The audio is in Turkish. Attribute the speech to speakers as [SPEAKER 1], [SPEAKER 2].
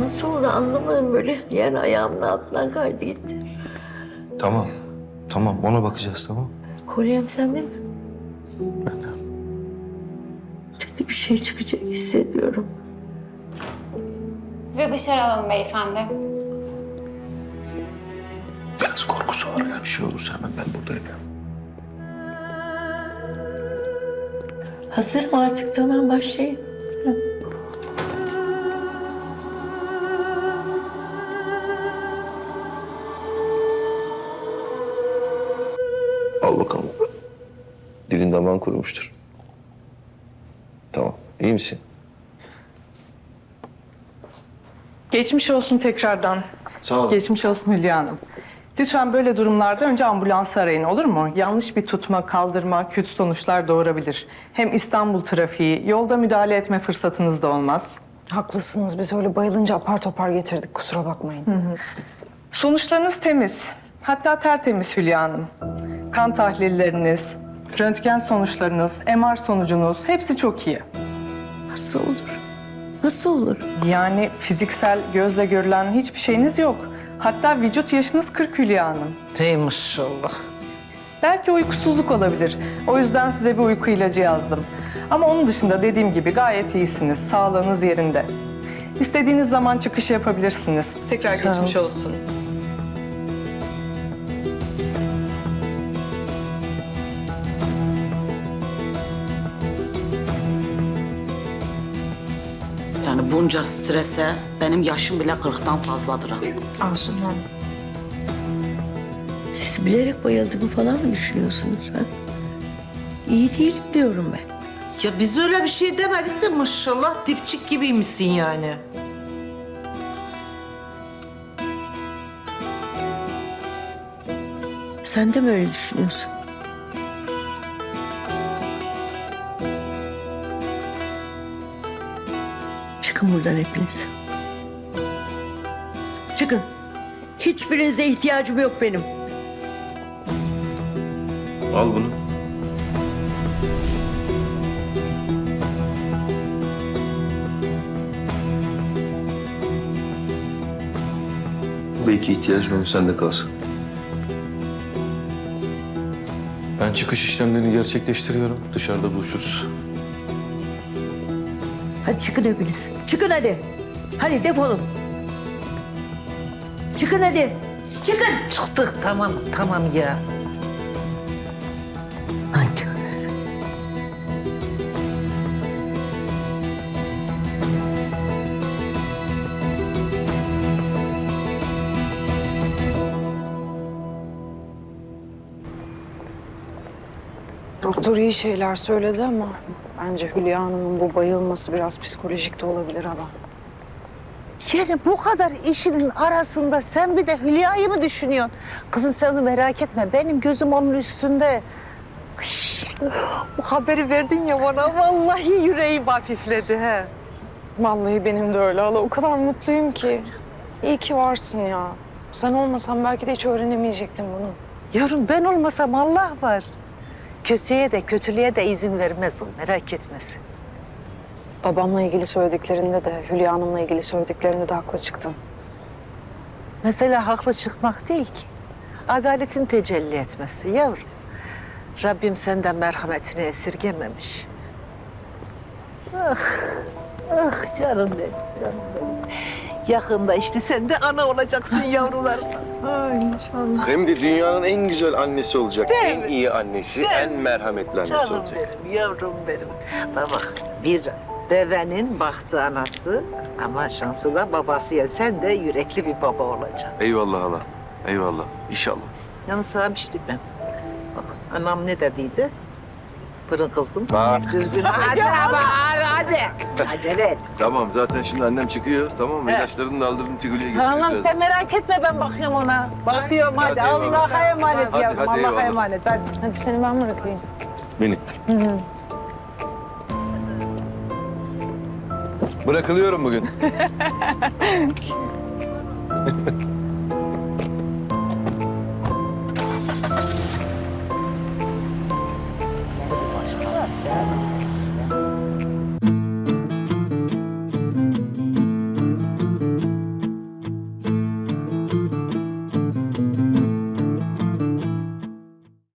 [SPEAKER 1] Nasıl oldu anlamadım, böyle yer ayağımın altından kaydı gitti.
[SPEAKER 2] Tamam. Tamam ona bakacağız tamam.
[SPEAKER 1] Kolyem sende mi?
[SPEAKER 2] Ben de.
[SPEAKER 1] Kötü bir şey çıkacak hissediyorum.
[SPEAKER 3] Sizi dışarı alalım beyefendi.
[SPEAKER 2] Biraz korkusu var ya. Bir şey olursa hemen ben buradayım ya.
[SPEAKER 1] Hazırım artık, tamam başlayayım. Hazırım.
[SPEAKER 2] Al bakalım. Dilin damağın kurumuştur. Tamam. İyi misin?
[SPEAKER 4] Geçmiş olsun tekrardan.
[SPEAKER 2] Sağ ol.
[SPEAKER 4] Geçmiş olsun Hülya Hanım. Lütfen böyle durumlarda önce ambulansı arayın, olur mu? Yanlış bir tutma, kaldırma kötü sonuçlar doğurabilir. Hem İstanbul trafiği, yolda müdahale etme fırsatınız da olmaz.
[SPEAKER 5] Haklısınız. Biz öyle bayılınca apar topar getirdik. Kusura bakmayın.
[SPEAKER 4] Sonuçlarınız temiz. Hatta tertemiz Hülya Hanım. Kan tahlilleriniz, röntgen sonuçlarınız, MR sonucunuz hepsi çok iyi.
[SPEAKER 1] Nasıl olur? Nasıl olur?
[SPEAKER 4] Yani fiziksel gözle görülen hiçbir şeyiniz yok. Hatta vücut yaşınız 40 Hülya Hanım.
[SPEAKER 6] Ey maşallah.
[SPEAKER 4] Belki uykusuzluk olabilir. O yüzden size bir uyku ilacı yazdım. Ama onun dışında dediğim gibi gayet iyisiniz. Sağlığınız yerinde. İstediğiniz zaman çıkış yapabilirsiniz. Tekrar
[SPEAKER 5] Sağ ol.
[SPEAKER 4] geçmiş olsun.
[SPEAKER 6] Yani bunca strese benim yaşım bile 40'tan fazladır ha.
[SPEAKER 5] Asuman Hanım.
[SPEAKER 1] Siz bilerek bayıldığımı falan mı düşünüyorsunuz ha? İyi değilim diyorum ben.
[SPEAKER 7] Ya biz öyle bir şey demedik de maşallah dipçik gibiymişsin yani.
[SPEAKER 1] Sen de mi öyle düşünüyorsun? Çıkın buradan hepiniz. Çıkın. Hiçbirinize ihtiyacım yok benim.
[SPEAKER 2] Al bunu. Belki ihtiyacın olur, sende kalsın. Ben çıkış işlemlerini gerçekleştiriyorum. Dışarıda buluşuruz.
[SPEAKER 1] Hadi çıkın hepiniz. Çıkın hadi. Hadi defolun. Çıkın hadi. Çıkın.
[SPEAKER 7] Çıktık tamam ya.
[SPEAKER 1] Nankörler.
[SPEAKER 5] Doktor iyi şeyler söyledi ama bence Hülya Hanım'ın bu bayılması biraz psikolojik de olabilir adam.
[SPEAKER 7] Yani bu kadar işinin arasında sen bir de Hülya'yı mı düşünüyorsun? Kızım sen onu merak etme. Benim gözüm onun üstünde. Ay, bu haberi verdin ya bana vallahi yüreğim hafifledi he.
[SPEAKER 5] Vallahi benim de öyle hala. O kadar mutluyum ki. İyi ki varsın ya. Sen olmasan belki de hiç öğrenemeyecektim bunu.
[SPEAKER 7] Yavrum ben olmasam Allah var. Kötüye de kötülüğe de izin vermez o, merak etmesin.
[SPEAKER 5] Babamla ilgili söylediklerinde de, Hülya Hanım'la ilgili söylediklerinde de haklı çıktın.
[SPEAKER 7] Mesela haklı çıkmak değil ki. Adaletin tecelli etmesi yavrum. Rabbim senden merhametini esirgememiş. Ah, ah canım benim, canım benim. Yakında işte sen de ana olacaksın yavrularım.
[SPEAKER 5] Ay inşallah.
[SPEAKER 2] Hem de dünyanın en güzel annesi olacak.
[SPEAKER 7] Değil
[SPEAKER 2] En
[SPEAKER 7] mi?
[SPEAKER 2] iyi annesi, en merhametli annesi
[SPEAKER 7] Canım
[SPEAKER 2] olacak.
[SPEAKER 7] benim, yavrum benim. Bak bir devenin bahtı anası ama şansı da babası ya. Sen de yürekli bir baba olacaksın.
[SPEAKER 2] Eyvallah hala. Eyvallah. İnşallah.
[SPEAKER 7] Yalnız sana bir şey diyeyim ben. Bak anam ne dediydi? Fırın kızgın,
[SPEAKER 2] Bak.
[SPEAKER 7] düzgün. Hadi ama hadi. Acele et.
[SPEAKER 2] Tamam zaten şimdi annem çıkıyor. Tamam mı?
[SPEAKER 7] Evet.
[SPEAKER 2] İlaçlarını da aldırdım Tigül'e getireceğiz.
[SPEAKER 7] Tamam sen merak etme ben bakıyorum ona. Bakıyorum hadi.
[SPEAKER 2] Hadi eyvallah.
[SPEAKER 7] Allah'a emanet
[SPEAKER 2] Hadi,
[SPEAKER 7] yavrum.
[SPEAKER 2] hadi
[SPEAKER 7] Allah'a
[SPEAKER 2] eyvallah.
[SPEAKER 7] emanet hadi.
[SPEAKER 5] Hadi seni ben bırakayım.
[SPEAKER 2] Beni. Bırakılıyorum bugün.